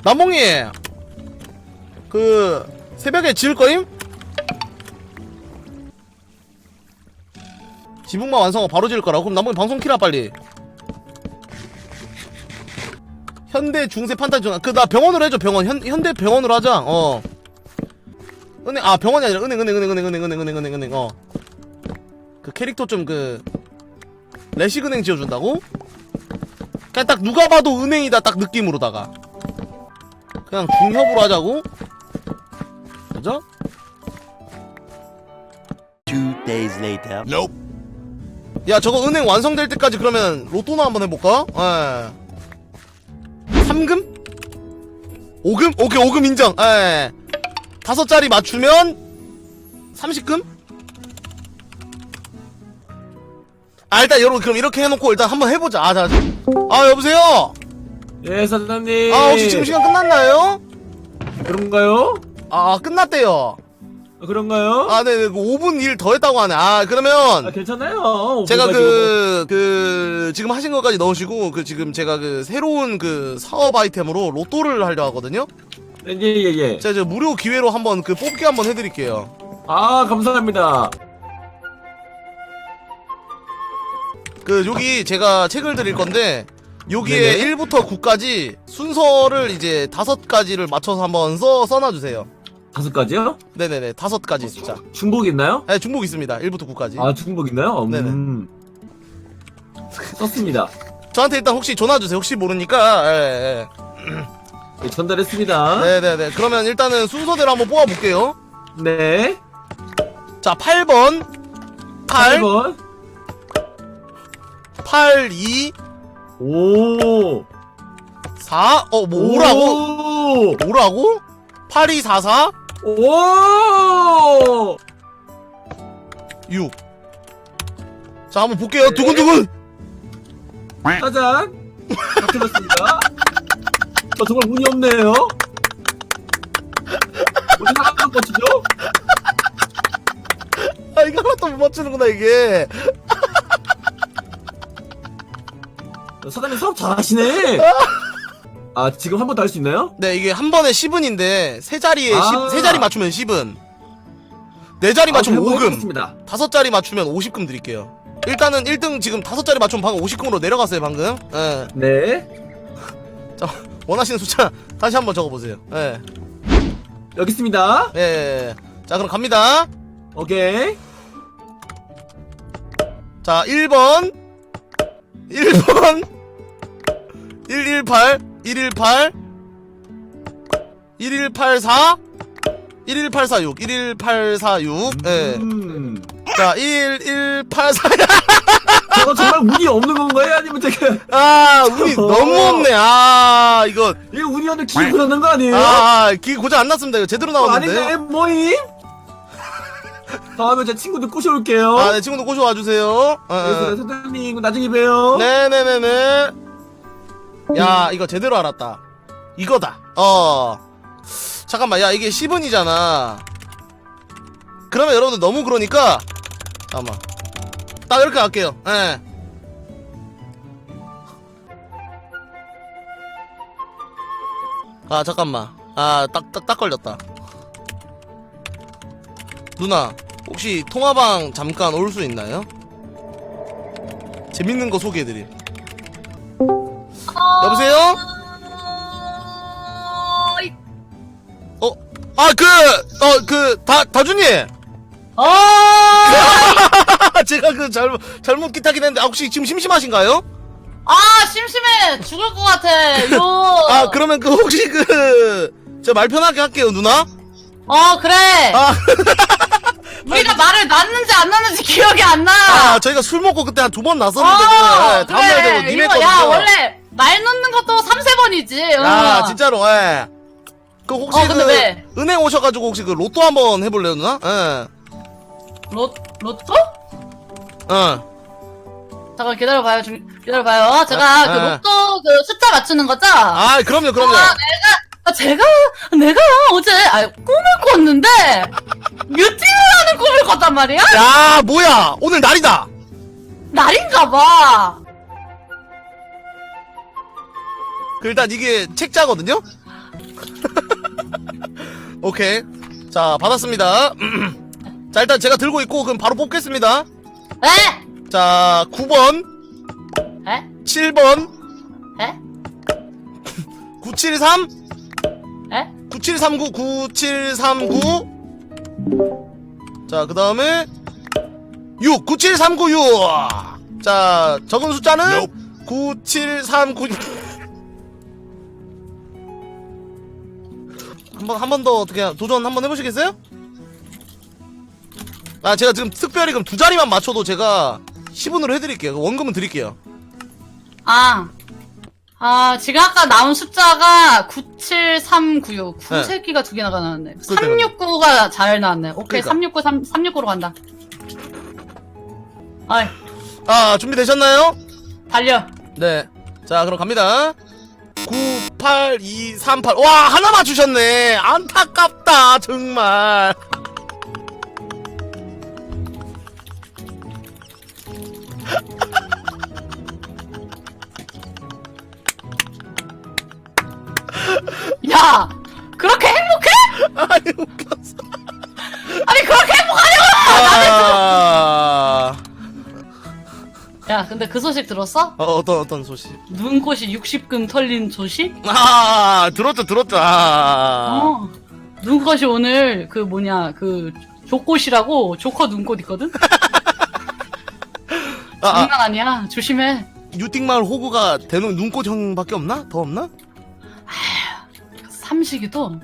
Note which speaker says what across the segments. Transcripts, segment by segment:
Speaker 1: 남봉이 그 새벽에 지을 거임? 지붕만 완성하고 바로 지을 거라고? 그럼 남봉이 방송 키라 빨리. 현대 중세 판타지 전화. 그 나 병원으로 해줘. 병원. 현대 병원으로 하자. 은행. 아 병원이 아니라 은행. 그 캐릭터 좀 그 레식 은행 지어준다고? 그냥 딱 누가 봐도 은행이다 딱 느낌으로다가 그냥 중협으로 하자고? 그죠?
Speaker 2: 2 days later.
Speaker 3: Nope.
Speaker 1: 야 저거 은행 완성될 때까지 그러면 로또나 한번 해볼까? 예. 3금? 5금? 오케이 5금 인정. 예. 5자리 맞추면 30금? 아 일단 여러분 그럼 이렇게 해놓고 일단 한번 해보자. 아 여보세요?
Speaker 4: 예, 사장님.
Speaker 1: 아 혹시 지금 시간 끝났나요?
Speaker 4: 그런가요?
Speaker 1: 아 끝났대요.
Speaker 4: 그런가요?
Speaker 1: 아 네네 5분 일 더 했다고 하네. 아 그러면
Speaker 4: 괜찮아요.
Speaker 1: 제가
Speaker 4: 5분까지
Speaker 1: 그 지금 하신 것까지 넣으시고 그 지금 제가 그 새로운 그 사업 아이템으로 로또를 하려 하거든요.
Speaker 4: 예.
Speaker 1: 제가 무료 기회로 한번 그 뽑기 한번 해드릴게요.
Speaker 4: 아, 감사합니다.
Speaker 1: 그 여기 제가 책을 드릴 건데 여기에
Speaker 4: 네네.
Speaker 1: 1부터 9까지 순서를 이제 5가지를 맞춰서 한번 써놔주세요.
Speaker 4: 5가지요?
Speaker 1: 네네네 5가지 숫자.
Speaker 4: 중복 있나요?
Speaker 1: 네 중복 있습니다. 1부터 9까지.
Speaker 4: 아, 중복 있나요?
Speaker 1: 네네.
Speaker 4: 썼습니다.
Speaker 1: 저한테 일단 혹시 전화주세요. 혹시 모르니까. 예.
Speaker 4: 예, 전달했습니다.
Speaker 1: 네네네. 그러면 일단은 순서대로 한번 뽑아볼게요.
Speaker 4: 네.
Speaker 1: 자 8번 8
Speaker 4: 8번.
Speaker 1: 8 2
Speaker 4: 오.
Speaker 1: 4 뭐 5라고? 5라고? 8 2 4 4
Speaker 4: 오.
Speaker 1: 6. 자 한번 볼게요. 두근두근.
Speaker 4: 짜잔. 다 틀렸습니다. 저 정말 운이 없네요. 어디 사람만 꽂히죠?
Speaker 1: 아 이거 하나도 못 맞추는구나 이게.
Speaker 4: 사장님 사업 잘하시네. 아, 지금 한 번 더 할 수 있나요?
Speaker 1: 네 이게 한 번에 10은인데 세 자리에
Speaker 4: 아.
Speaker 1: 세 자리 맞추면 10은. 네 자리 맞추면 5금.
Speaker 4: 습니다
Speaker 1: 5자리 맞추면 50금 드릴게요. 일단은 1등 지금 5자리 맞추면 방금 50금으로 내려갔어요 방금. 예.
Speaker 4: 네.
Speaker 1: 자 원하시는 숫자 다시 한번 적어보세요. 예.
Speaker 4: 여기 있습니다.
Speaker 1: 예. 자 그럼 갑니다.
Speaker 4: 오케이.
Speaker 1: 자 1번 118 118 1184 11846 11846 예. 자 1184
Speaker 4: 저거 정말 운이 없는 건가요? 아니면 제가
Speaker 1: 아 운이 너무 없네. 아 이거
Speaker 4: 이거 운이 없는 기분 그러는 거 아니에요?
Speaker 1: 기 고장 안 났습니다. 이거 제대로 나왔는데.
Speaker 4: 아닌데 뭐임? 다음에 제 친구들 꼬셔올게요.
Speaker 1: 아 네 친구들 꼬셔와 주세요.
Speaker 4: 그래서 사장님 나중에 봬요.
Speaker 1: 네네네네. 야 이거 제대로 알았다. 이거다. 잠깐만 야 이게 10은이잖아. 그러면 여러분들 너무 그러니까 잠깐만 딱 이렇게 갈게요. 예. 아 잠깐만 딱 걸렸다. 누나 혹시 통화방 잠깐 올 수 있나요? 재밌는 거 소개해드림. 여보세요? 다준님! 제가 그 잘못 기타긴 했는데, 혹시 지금 심심하신가요?
Speaker 5: 아 심심해 죽을 것 같아 요.
Speaker 1: 아, 그러면 혹시 저 말 편하게 할게요, 누나?
Speaker 5: 그래.
Speaker 1: 아,
Speaker 5: 우리가 말을 놨는지 안 놨는지 기억이 안 나.
Speaker 1: 저희가 술 먹고 그때 한 2번 났었는데, 다음날 되고 님
Speaker 5: 이거
Speaker 1: 했거든요.
Speaker 5: 야 원래 말 놓는 것도 3-3번이지.
Speaker 1: 야, 진짜로, 예. 혹시
Speaker 5: 근데 왜?
Speaker 1: 은행 오셔가지고 혹시 로또 한번 해볼래요, 누나? 예.
Speaker 5: 로또?
Speaker 1: 응.
Speaker 5: 잠깐 기다려봐요. 기다려봐요. 제가 그 로또 그 숫자 맞추는 거죠?
Speaker 1: 아, 그럼요.
Speaker 5: 내가 어제 꿈을 꿨는데 뮤팅을 하는 꿈을 꿨단 말이야?
Speaker 1: 야, 뭐야? 오늘 날이다.
Speaker 5: 날인가봐.
Speaker 1: 일단 이게 책자거든요? 오케이. 자, 받았습니다. 자, 일단 제가 들고 있고, 그럼 바로 뽑겠습니다.
Speaker 5: 에?
Speaker 1: 자, 9번,
Speaker 5: 에?
Speaker 1: 7번,
Speaker 5: 에?
Speaker 1: 973,
Speaker 5: 에?
Speaker 1: 9739, 9739. 자, 그 다음에 6, 97396. 자, 적은 숫자는 9739. 한 번 더 어떻게 도전 한번 해보시겠어요? 아, 제가 지금 특별히 그럼 두 자리만 맞춰도 제가 10원으로 해드릴게요. 원금은 드릴게요.
Speaker 5: 지금 아까 나온 숫자가 97396.
Speaker 1: 네.
Speaker 5: 9세기가 두 개나 나왔네.
Speaker 1: 그러니까요.
Speaker 5: 369가 잘 나왔네. 오케이,
Speaker 1: 그러니까.
Speaker 5: 369로 간다. 어이,
Speaker 1: 아, 준비되셨나요?
Speaker 5: 달려.
Speaker 1: 네. 자, 그럼 갑니다. 98238. 와, 하나 맞추셨네. 안타깝다, 정말.
Speaker 5: 야! 그렇게 행복해?
Speaker 1: 아니, 웃겼어.
Speaker 5: 아니, 그렇게 행복하냐고!
Speaker 1: 아...
Speaker 5: 야, 근데 그 소식 들었어?
Speaker 1: 어떤 소식?
Speaker 5: 눈꽃이 60금 털린 소식?
Speaker 1: 아, 들었죠. 아.
Speaker 5: 눈꽃이 오늘 그 조꽃이라고 조커 눈꽃 있거든? 장난 아니야. 조심해.
Speaker 1: 유띵마을 호구가 대놓은 눈꽃 형밖에 없나? 더 없나?
Speaker 5: 삼식이도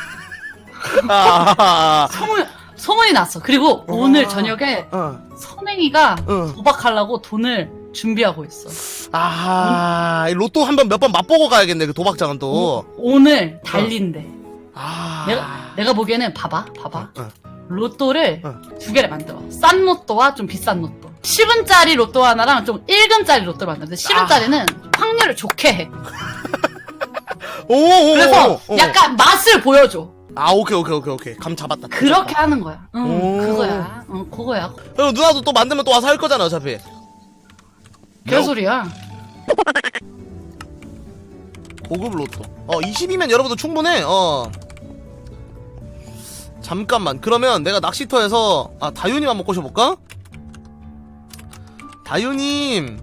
Speaker 1: 아,
Speaker 5: 소문이 났어. 그리고 오늘 저녁에
Speaker 1: 어.
Speaker 5: 선행이가
Speaker 1: 어.
Speaker 5: 도박하려고 돈을 준비하고 있어.
Speaker 1: 아, 이 로또 몇 번 맛보고 가야겠네, 그 도박장은 또.
Speaker 5: 오늘 달린대.
Speaker 1: 아.
Speaker 5: 내가 보기에는 봐봐.
Speaker 1: 어.
Speaker 5: 로또를
Speaker 1: 어.
Speaker 5: 두 개를 만들어. 싼 로또와 좀 비싼 로또. 10원짜리 로또 하나랑 좀 1금짜리 로또를 만드는데 10원짜리는 확률을 좋게 해.
Speaker 1: 오,
Speaker 5: 그래서 약간 맛을 보여줘.
Speaker 1: 아, 오케이. 감 잡았다.
Speaker 5: 그렇게 하는 거야.
Speaker 1: 오.
Speaker 5: 그거야. 그거야.
Speaker 1: 그럼 누나도 또 만들면 또 와서 할 거잖아, 어차피.
Speaker 5: 개소리야.
Speaker 1: 고급 로또. 20이면 여러분도 충분해. 잠깐만. 그러면 내가 낚시터에서 다유님 한번 꼬셔볼까? 다유님.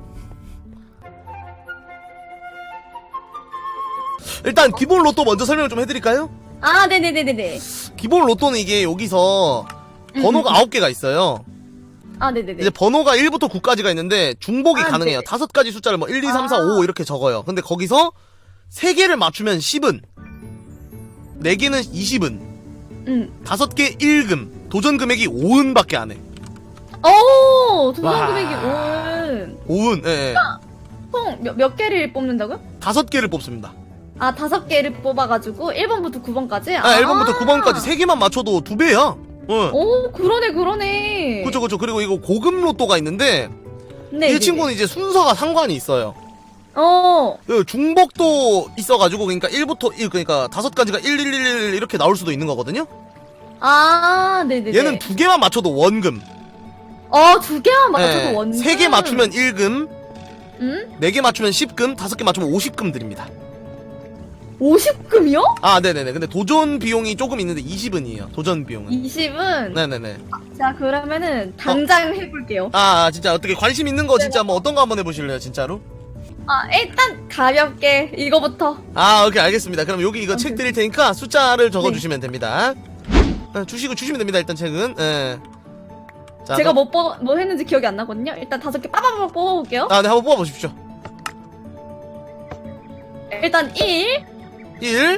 Speaker 1: 일단 기본 로또 먼저 설명을 좀 해드릴까요?
Speaker 3: 아, 네네네네네.
Speaker 1: 기본 로또는 이게 여기서 번호가 9개가 있어요.
Speaker 3: 아, 네네네.
Speaker 1: 이제 번호가 1부터 9까지가 있는데 중복이
Speaker 3: 아,
Speaker 1: 가능해요.
Speaker 3: 네.
Speaker 1: 5가지 숫자를 뭐 1, 2, 3, 4, 5 이렇게 적어요. 근데 거기서 3개를 맞추면 10은, 4개는 20은, 5개 1금, 도전 금액이 5은밖에 안 해.
Speaker 3: 오, 도전
Speaker 1: 와.
Speaker 3: 금액이 5은.
Speaker 1: 5은, 예.
Speaker 3: 총 몇 개를 뽑는다고요?
Speaker 1: 5개를 뽑습니다.
Speaker 3: 아, 5개를 뽑아가지고 1번부터 9번까지?
Speaker 1: 1번부터 9번까지 3개만 맞춰도 2배야. 응.
Speaker 3: 오, 그러네.
Speaker 1: 그쵸. 그리고 이거 고급 로또가 있는데,
Speaker 3: 네.
Speaker 1: 이 친구는 이제 순서가 상관이 있어요.
Speaker 3: 어.
Speaker 1: 그 중복도 있어가지고, 그러니까 1부터 1, 그러니까 5가지가 1, 1, 1, 1 이렇게 나올 수도 있는 거거든요?
Speaker 3: 아, 네네네.
Speaker 1: 얘는 2개만 맞춰도 원금.
Speaker 3: 2개만 맞춰도 원금.
Speaker 1: 3개 맞추면 1금,
Speaker 3: 응?
Speaker 1: 4개 맞추면 10금, 5개 맞추면 50금 드립니다.
Speaker 3: 50금이요?
Speaker 1: 아, 네네네. 근데 도전 비용이 조금 있는데 20은이에요. 도전 비용은.
Speaker 3: 20은?
Speaker 1: 네네네.
Speaker 3: 자, 그러면은 당장 해볼게요.
Speaker 1: 진짜 어떻게 관심 있는 거 진짜 뭐 어떤 거 한번 해보실래요, 진짜로?
Speaker 3: 일단 가볍게 이거부터.
Speaker 1: 오케이, 알겠습니다. 그럼 여기 이거 책 드릴 테니까 숫자를 적어주시면 됩니다. 주시면 됩니다, 일단 책은. 예. 자,
Speaker 3: 제가
Speaker 1: 그럼-
Speaker 3: 뭐 했는지 기억이 안 나거든요. 일단 5개 빠바박 뽑아볼게요.
Speaker 1: 네, 한번 뽑아보십시오.
Speaker 3: 일단 1,
Speaker 1: 1,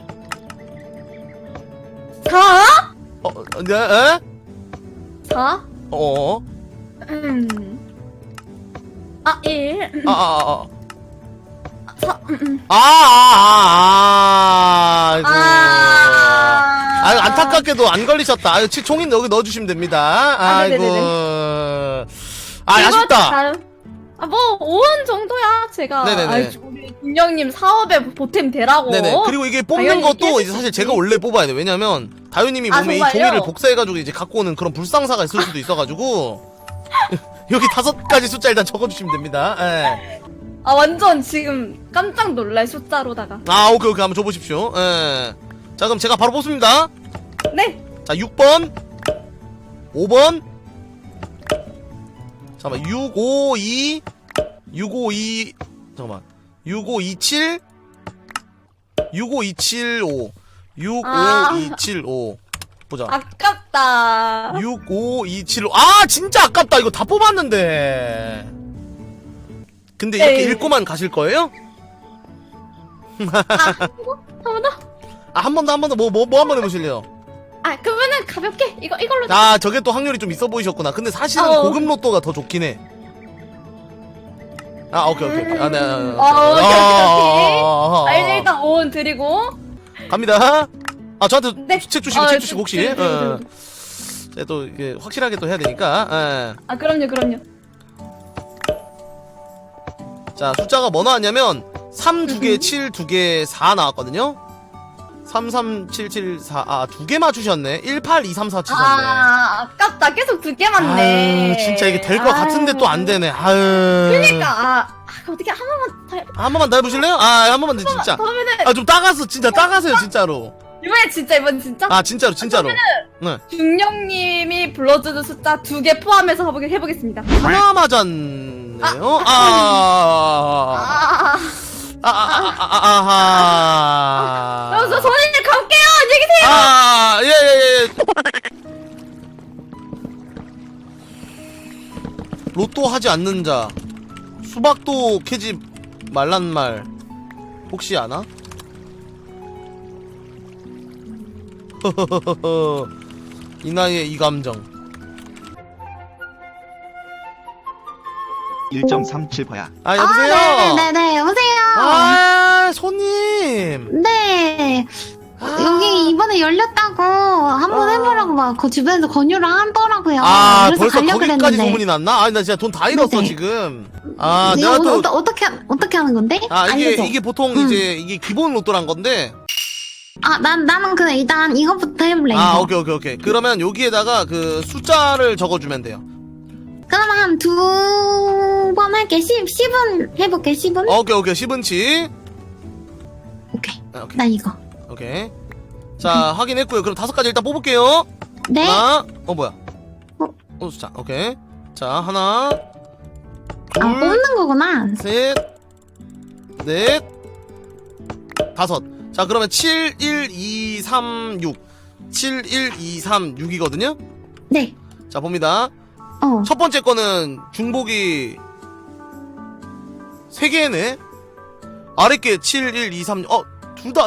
Speaker 3: 4,
Speaker 1: 네,
Speaker 3: 4, 1, 4,
Speaker 1: 아이고, 안타깝게도 안 걸리셨다. 총인 여기 넣어주시면 됩니다. 아이고.
Speaker 3: 네네네네.
Speaker 1: 아쉽다.
Speaker 3: 뭐 5원 정도야 제가.
Speaker 1: 네네네.
Speaker 3: 우리 김영님 사업에 보탬 되라고.
Speaker 1: 네네. 그리고 이게 뽑는
Speaker 3: 당연히
Speaker 1: 것도
Speaker 3: 깨질
Speaker 1: 이제
Speaker 3: 수
Speaker 1: 사실
Speaker 3: 있지.
Speaker 1: 제가 원래 뽑아야 돼. 왜냐면 다효님이 몸에 이
Speaker 3: 정말요?
Speaker 1: 종이를 복사해가지고 이제 갖고 오는 그런 불상사가 있을 수도 있어가지고 여기 5가지 숫자 일단 적어주시면 됩니다. 예.
Speaker 3: 아 완전 지금 깜짝 놀랄 숫자로다가.
Speaker 1: 아, 오케이, 오케이. 한번 줘보십시오. 예. 자, 그럼 제가 바로 뽑습니다.
Speaker 3: 네.
Speaker 1: 자, 6번, 5번, 잠깐만, 652, 652, 잠깐만, 6527, 65275, 65275. 보자.
Speaker 3: 아깝다.
Speaker 1: 65275. 아, 진짜 아깝다. 이거 다 뽑았는데. 근데 이렇게
Speaker 3: 네.
Speaker 1: 읽고만 가실 거예요?
Speaker 3: 한 번 더?
Speaker 1: 아, 한 번 더, 한 번 더. 뭐 한 번 해보실래요?
Speaker 3: 아 그러면은 가볍게 이걸로.
Speaker 1: 아, 저게 또 확률이 좀 있어 보이셨구나. 근데 사실은 고급 로또가 더 좋긴 해. 아, 오케이. 아, 네.
Speaker 3: 오케이. 일단 5원 드리고.
Speaker 1: 갑니다. 아, 저한테
Speaker 3: 네.
Speaker 1: 책 주시고, 책 주시고, 혹시.
Speaker 3: 드리고.
Speaker 1: 제가 또, 이게 확실하게 또 해야 되니까. 예.
Speaker 3: 아 그럼요.
Speaker 1: 자, 숫자가 뭐 나왔냐면, 3 2개, 7 2개, 4 나왔거든요? 3, 3, 7, 7, 4. 아, 2개 맞추셨네. 1, 8, 2, 3, 4 치셨네.
Speaker 3: 아 아깝다. 계속 2개 맞네.
Speaker 1: 아유, 진짜 이게 될 것 같은데 또 안 되네. 아유.
Speaker 3: 그러니까 어떻게 한 번만 더
Speaker 1: 한 번만 더 해보실래요? 아, 한 번만 더, 진짜.
Speaker 3: 더 하면은
Speaker 1: 아, 좀 따가서, 진짜 따가세요, 진짜로.
Speaker 3: 이번 진짜
Speaker 1: 아, 진짜로. 네.
Speaker 3: 중령님이 불러주는 숫자 2개 포함해서 해보겠습니다.
Speaker 1: 하나 맞았네요.
Speaker 3: 그럼 저 선생님 갈게요. 안녕히 계세요.
Speaker 1: 예. 로또 하지 않는 자. 수박도 캐지 말란 말. 혹시 아나? 이 나이에 이 감정.
Speaker 6: 1.37%야.
Speaker 1: 아, 여보세요?
Speaker 7: 네네네, 여보세요?
Speaker 1: 아, 손님.
Speaker 7: 네.
Speaker 1: 아.
Speaker 7: 여기 이번에 열렸다고 한번 해보라고 막 그 주변에서 권유를 하더라고요.
Speaker 1: 아,
Speaker 7: 그래서
Speaker 1: 벌써
Speaker 7: 가려고
Speaker 1: 거기까지
Speaker 7: 그랬는데.
Speaker 1: 소문이 났나? 아, 나 진짜 돈 다 잃었어,
Speaker 7: 네네.
Speaker 1: 지금. 아,
Speaker 7: 이거
Speaker 1: 내가 또.
Speaker 7: 어떻게 하는 건데?
Speaker 1: 아,
Speaker 7: 알려줘.
Speaker 1: 이게 보통 이제, 이게 기본 로또란 건데.
Speaker 7: 아, 나는 그냥 일단 이것부터 해볼래.
Speaker 1: 아,
Speaker 7: 이거.
Speaker 1: 오케이. 그러면 여기에다가 그 숫자를 적어주면 돼요.
Speaker 7: 그럼 한 2번 할게. 10은 해볼게, 10은?
Speaker 1: 오케이. 10은치.
Speaker 7: 오케이.
Speaker 1: 오케이.
Speaker 7: 나 이거.
Speaker 1: 오케이. 자, 확인했고요. 그럼 5가지 일단 뽑을게요.
Speaker 7: 네?
Speaker 1: 하나, 뭐야?
Speaker 7: 어?
Speaker 1: 숫자, 오케이. 자, 하나, 둘,
Speaker 7: 아, 뽑는 거구나.
Speaker 1: 셋, 넷, 5. 자, 그러면 7, 1, 2, 3, 6. 7, 1, 2, 3, 6이거든요?
Speaker 7: 네.
Speaker 1: 자, 봅니다. 첫 번째 거는 중복이 3개네? 아래 게 7, 1, 2, 3, 6. 둘 다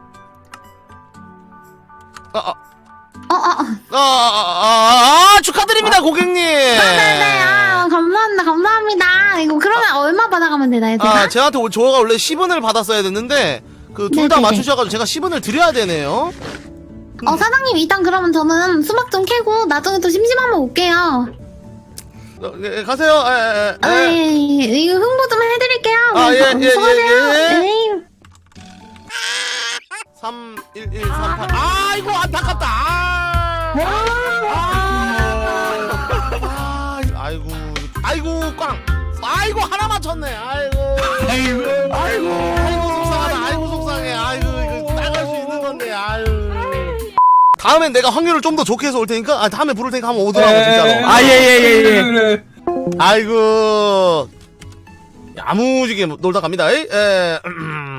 Speaker 1: 축하드립니다, 고객님!
Speaker 7: 네네. 아, 감사합니다. 이거 그러면 얼마 받아가면 되나요, 제가?
Speaker 1: 아, 저가 원래 10원을 받았어야 됐는데, 그, 둘 다
Speaker 7: 네네네.
Speaker 1: 맞추셔가지고 제가 10원을 드려야 되네요.
Speaker 7: 사장님, 일단 그러면 저는 수박 좀 캐고 나중에 또 심심하면 올게요.
Speaker 1: 가세요.
Speaker 7: 예. 이거 홍보 좀 해드릴게요.
Speaker 1: 아, 예.
Speaker 7: 수고하세요. 네.
Speaker 1: 3, 1, 1, 3, 8. 아이고, 안타깝다. 아이고, 꽝. 아이고, 하나 맞췄네. 아이고, 속상하다. 아이고, 속상해. 아이고, 이거 나갈 수 있는 건데. 아유. 다음엔 내가 확률을 좀 더 좋게 해서 올 테니까, 다음에 부를 테니까 한번 오더라고, 진짜로.
Speaker 4: 예. 그래.
Speaker 1: 아이고. 야무지게 놀다 갑니다.